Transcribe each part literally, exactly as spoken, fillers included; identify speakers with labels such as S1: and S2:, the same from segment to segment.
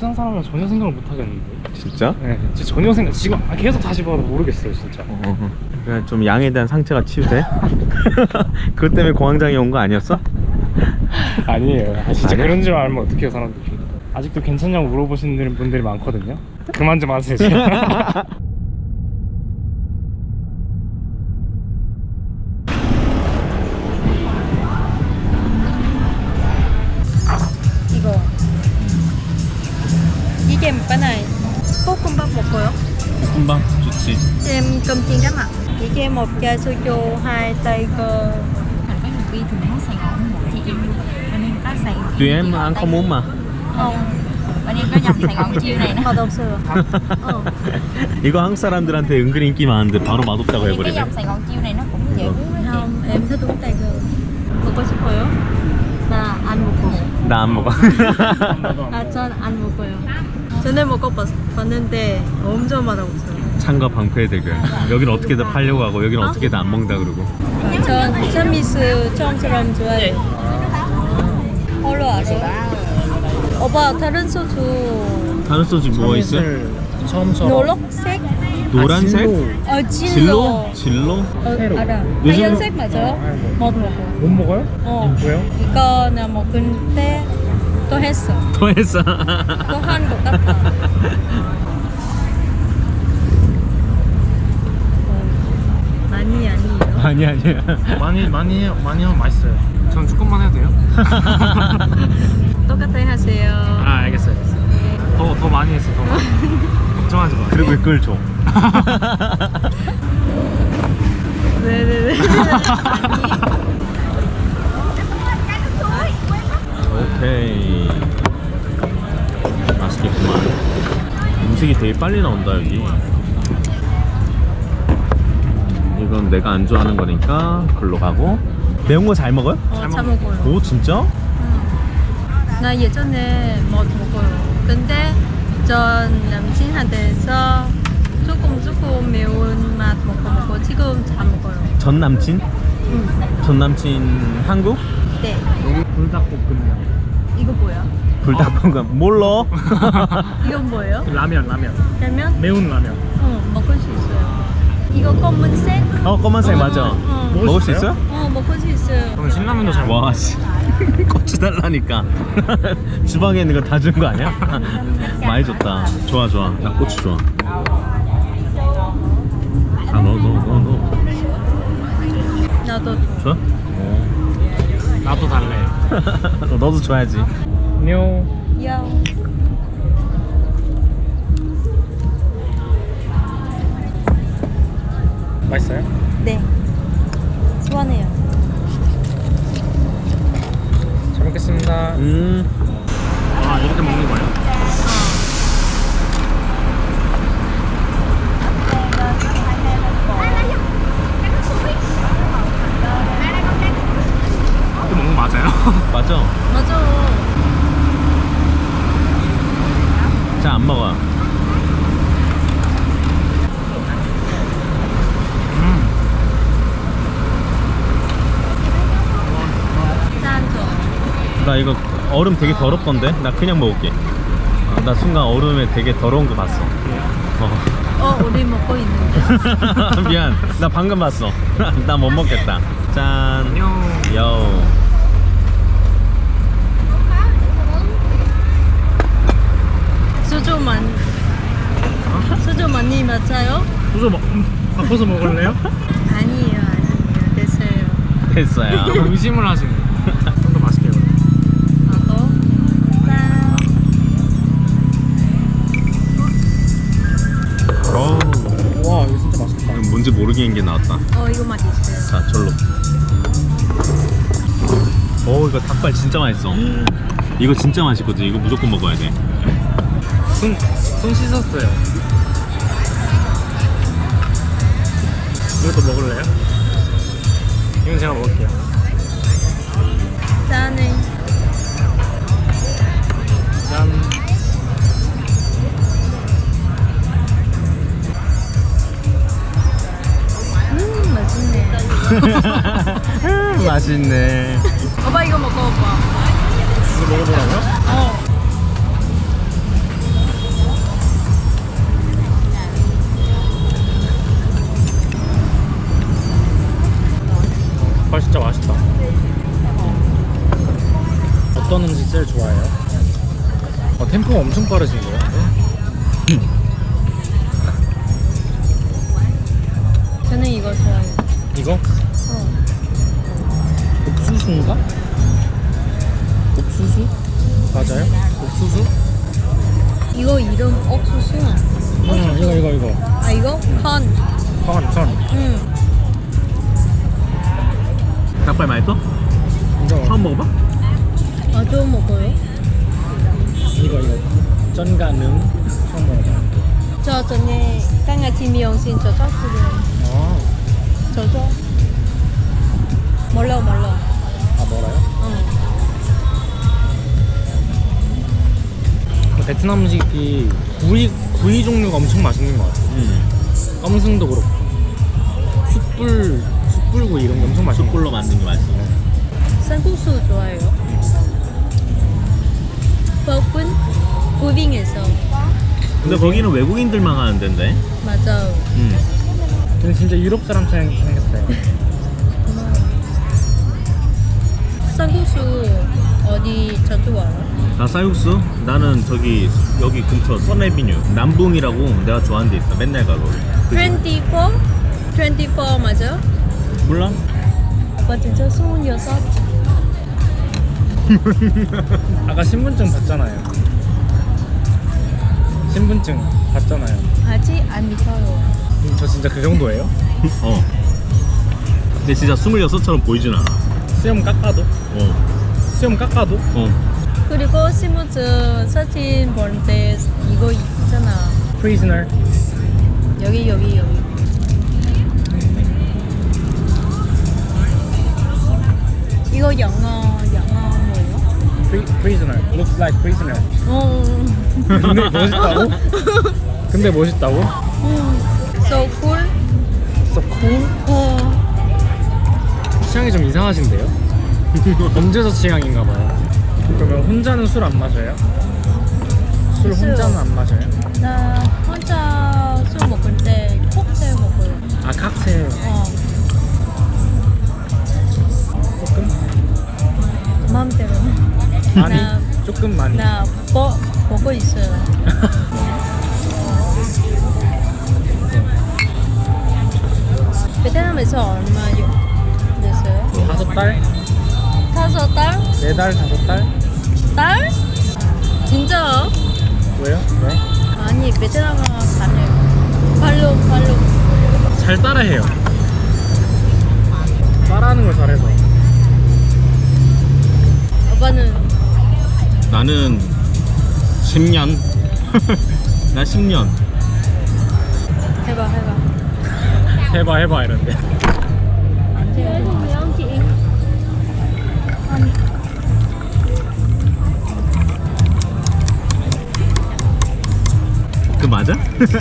S1: 베트남 사람은 전혀 생각을 못 하겠는데.
S2: 진짜?
S1: 네, 진짜 전혀 생각. 지금 계속 다시 봐도 모르겠어요, 진짜.
S2: 어, 그냥 좀 양에 대한 상처가 치유돼? 그것 때문에 공황장애 온 거 아니었어?
S1: 아니에요. 아, 진짜
S2: 아니야?
S1: 그런 줄 알면 어떡해요, 사람들이. 아직도 괜찮냐고 물어보시는 분들이 많거든요. 그만 좀 하세요, 진짜.
S3: 이거 이게 뭐나요? 볶음밥 먹어요?
S2: 금방 좋지.
S3: Em cơm chiên cá mặn. Chị cho em một chai soju, hai tay cơ.
S4: Thành có nhiều khi thì mình muốn Sài Gòn một chị em luôn. Bên em có Sài Gòn.
S2: Tụi em ăn không muốn mà.
S4: Không. Bên em có dòng Sài Gòn chiêu này nữa.
S3: Thật thật sự. Ờ.
S2: 이거 한국 사람들한테 은근 인기 많은데 바로 맛없다고
S4: Cái
S2: 해버리네.
S4: dòng Sài Gòn chiêu này nó cũng dễ uống đó chị.
S3: Không, em thích uống tay cơ. 먹고 싶어요? 나 안 먹고.
S2: 나 안 먹어.
S3: 아, 전 안 먹어요. 전에 먹어봤는데 엄청 맛없어요.
S2: 창과 방패의 대결. 여기는 어떻게든 팔려고 하고 여기는 어떻게든 안 먹는다 그러고.
S3: 전 샤미스 처음처럼 좋아해요. 홀로 아세요? 오빠 다른 소주
S2: 다른 소주 뭐 있어?
S1: 처음처럼.
S3: 노란색?
S2: 노란색?
S3: 어,
S2: 진로?
S3: 진로.
S2: 진로?
S3: 어, 알아.
S2: 요즘-
S3: 하얀색 맞아요? 못 먹어.
S1: 못 먹어요?
S3: 어.
S1: 왜요?
S3: 이거 나 먹을 때 또 했어.
S2: 더 했어.
S3: 또 한 것 같아. 어, 많이 아니에요.
S2: 아니 아니야.
S1: 많이 많이 해요. 많이 하면 맛있어요. 전 조금만 해도 돼요?
S3: 똑같이 하세요.
S1: 아, 알겠어요. 알겠어요. 더, 더 많이 했어, 더 많이. 걱정하지 마.
S2: 그리고 그걸 줘.
S3: 네네네.
S2: 오케이. 맛있겠구만. 음식이 되게 빨리 나온다 여기. 이건 내가 안 좋아하는 거니까 글로 가고. 매운 거 잘 먹어요?
S3: 어, 잘 먹어요.
S2: 오 진짜?
S3: 나 예전에 못 먹어요. 근데 전 남친한테서 조금 조금 매운 맛 먹고 먹고 지금 잘 먹어요.
S2: 전 남친?
S3: 응.
S2: 전 남친 한국?
S3: 네.
S1: 불닭볶음면.
S3: 이거 뭐야?
S2: 불닭볶음 몰라?
S3: 이건 뭐예요?
S1: 라면, 라면.
S3: 라면?
S1: 매운 라면.
S3: 응, 먹을 수 있어요. 이거 검은색?
S2: 어 검은색
S3: 어,
S2: 맞아.
S3: 어.
S2: 먹을,
S1: 먹을
S2: 수
S1: 수
S2: 있어요?
S3: 어, 먹을 수 있어요.
S1: 저는 신라면도 잘 먹어요.
S2: 와 씨. 고추 달라니까. 주방에 있는 거 다 준 거 아니야? 많이 줬다. 좋아 좋아. 나 고추 좋아. 아 넣어 넣어 넣어 넣어.
S3: 나도
S2: 좋아? 오.
S1: 나도 달래.
S2: 너도 줘야지.
S1: 뇨.
S3: 야.
S1: 맛있어요?
S3: 네. 시원해요.
S1: 잘 먹겠습니다.
S2: 음.
S1: 아, 이렇게 먹는 거예요? 이렇게 먹는 거 맞아요?
S2: 맞아.
S3: 맞아.
S2: 자 안 먹어.
S1: 음.
S3: 짠 줘.
S2: 나 이거 얼음 되게 더럽던데? 나 그냥 먹을게. 아, 나 순간 얼음에 되게 더러운 거 봤어. 어.
S3: 어, 우리 먹고 있는데.
S2: 미안. 나 방금 봤어. 나 못 먹겠다. 짠.
S1: 뇨.
S2: 요.
S3: 소주 많이. 소주 많이 맞아요?
S1: 소주 먹, 바꿔서 먹을래요?
S3: 아니에요, 아니에요. 됐어요.
S2: 됐어요.
S1: 너무 의심을 하시네. 좀 더 맛있게 해요.
S3: 나도. 짠.
S2: 어우.
S1: 와, 이거 진짜 맛있겠다.
S2: 뭔지 모르겠는 게 나왔다.
S3: 어, 이거 맛있어요.
S2: 자, 절로. 오, 이거 닭발 진짜 맛있어. 이거 진짜 맛있거든. 이거 무조건 먹어야 돼.
S1: 손, 손 씻었어요. 이것도 먹을래요? 이건 제가 먹을게요.
S3: 짠해.
S1: 짠.
S3: 음, 맛있네.
S2: 맛있네.
S3: 오빠 이거 먹어, 오빠.
S1: 이거 먹어보라고요?
S3: 어.
S1: 어떤 음식 제일 좋아해요? 어, 템포가 엄청 빠르신 거예요?
S3: 저는 이거 좋아해요.
S1: 이거?
S3: 어.
S1: 옥수수인가? 옥수수? 맞아요? 옥수수?
S3: 이거 이름 옥수수.
S1: 응, 이거 이거 이거.
S3: 아 이거 컨.
S1: 천, 천.
S3: 응.
S2: 닭발 맛있어?
S1: 이거
S2: 처음 먹어봐?
S3: 아 좀 먹어요.
S1: 이거 이거. 쩐가능 처음 먹어봐.
S3: 저 전에 강아지 미용실 저쪽 그래.
S1: 아,
S3: 저쪽. 몰라 몰라.
S1: 아 뭐라요?
S3: 어.
S1: 그 베트남 음식이 구이 구이 종류가 엄청 맛있는 것 같아요.
S2: 응.
S1: 껌승도 그렇고 숯불 숯불구이 이런 게 엄청 맛있는 것
S2: 숯불로 만든 게 맛있어.
S3: 쌀국수 좋아해요. 볶은 부빙에서.
S2: 근데 거기는 외국인들만 가는 데인데.
S3: 맞아.
S2: 응.
S1: 같아요. 근데 진짜 유럽 사람처럼 생겼어요.
S3: 쌀국수 어디 저쪽 알아?
S2: 나 쌀국수? 나는 저기 여기 근처 선에비뉴 남봉이라고 내가 좋아하는 데 있어. 맨날 가 거기.
S3: 이십사? 이십사 맞아?
S2: 몰라?
S3: 오빠 진짜 스물여섯.
S1: 아까 신분증 봤잖아요. 신분증 봤잖아요.
S3: 아직 안 믿어요.
S1: 음, 저 진짜 그 정도예요?
S2: 어. 근데 진짜 스물여섯처럼 보이진 않아.
S1: 수염 깎아도?
S2: 어.
S1: 수염 깎아도?
S2: 어.
S3: 그리고 신분증 사진 볼 때 이거 있잖아.
S1: Prisoner.
S3: 여기 여기 여기. 이거 영어 영어 뭐예요?
S1: Pri, prisoner. Looks like prisoner.
S3: 어.
S1: 근데 멋있다고? 근데 멋있다고?
S3: 음. So cool.
S1: So cool?
S3: 어.
S1: 취향이 좀 이상하신데요? 범죄자 취향인가 봐요. 그러면 혼자는 술 안 마셔요? 술
S3: 술.
S1: 혼자는 안 마셔요?
S3: 나 혼자 술 먹을 때 콕테일 먹어요.
S1: 아 칵테일
S3: 어.
S1: 조금?
S3: 마음대로.
S1: 많이?
S3: 나,
S1: 조금 많이?
S3: 나 버, 보고 있어요. 베트남에서 얼마 됐어요?
S1: 다섯 달?
S3: 다섯 달?
S1: 네 달? 다섯 달?
S3: 달? 진짜?
S1: 왜요? 왜?
S3: 아니 베트남어 잘해요. 발로 발로.
S1: 잘 따라해요. 따라하는 걸 잘해서.
S3: 오빠는
S2: 나는 십 년. 나 십 년.
S3: 해봐 해봐.
S1: 해봐 해봐 이런데.
S2: 그 맞아?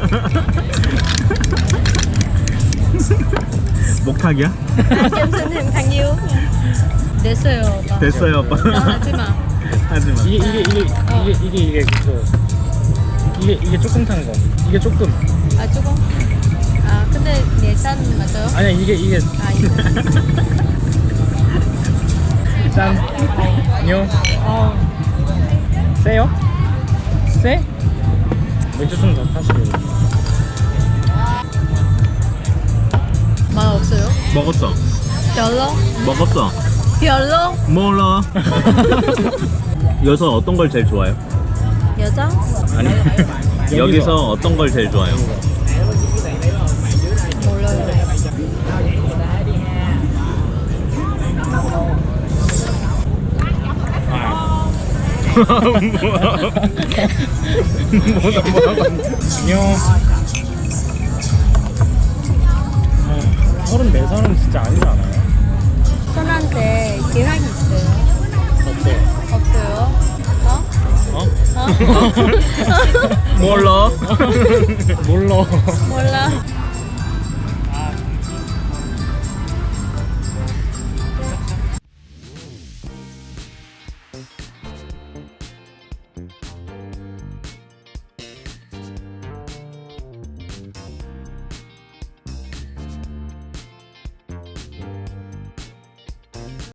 S2: 목탁이야?
S3: 아, 선생님 강유. 됐어요 오빠.
S2: 됐어요 오빠.
S3: 나 하지마.
S2: 하지마.
S1: 이게 이게 이게 이게 이게 이게 그 이게 이게 조금 탄 거. 이게 조금.
S3: 아 조금? 아 근데 내산 맞아요?
S1: 아니야 이게 이게
S3: 아 이거.
S1: 짠. 뇨.
S3: 어.
S1: 세요? 세? 맥주 좀 더 타시고.
S3: 맛 없어요?
S2: 먹었어.
S3: 별로?
S2: 먹었어.
S3: 별로?
S2: 몰라. 여기서 어떤 걸 제일 좋아해요?
S3: 여자?
S2: 아니. 여기서 어떤 걸 제일 좋아해요?
S3: 몰라요.
S1: 뭐다 뭐라고 안녕. 서른네 살은 진짜 아니지 않아요?
S3: 선한테 계획 있어요?
S1: 없어요.
S3: 없어요? 어?
S1: 어?
S3: 어?
S2: 몰라.
S1: 몰라.
S3: 몰라.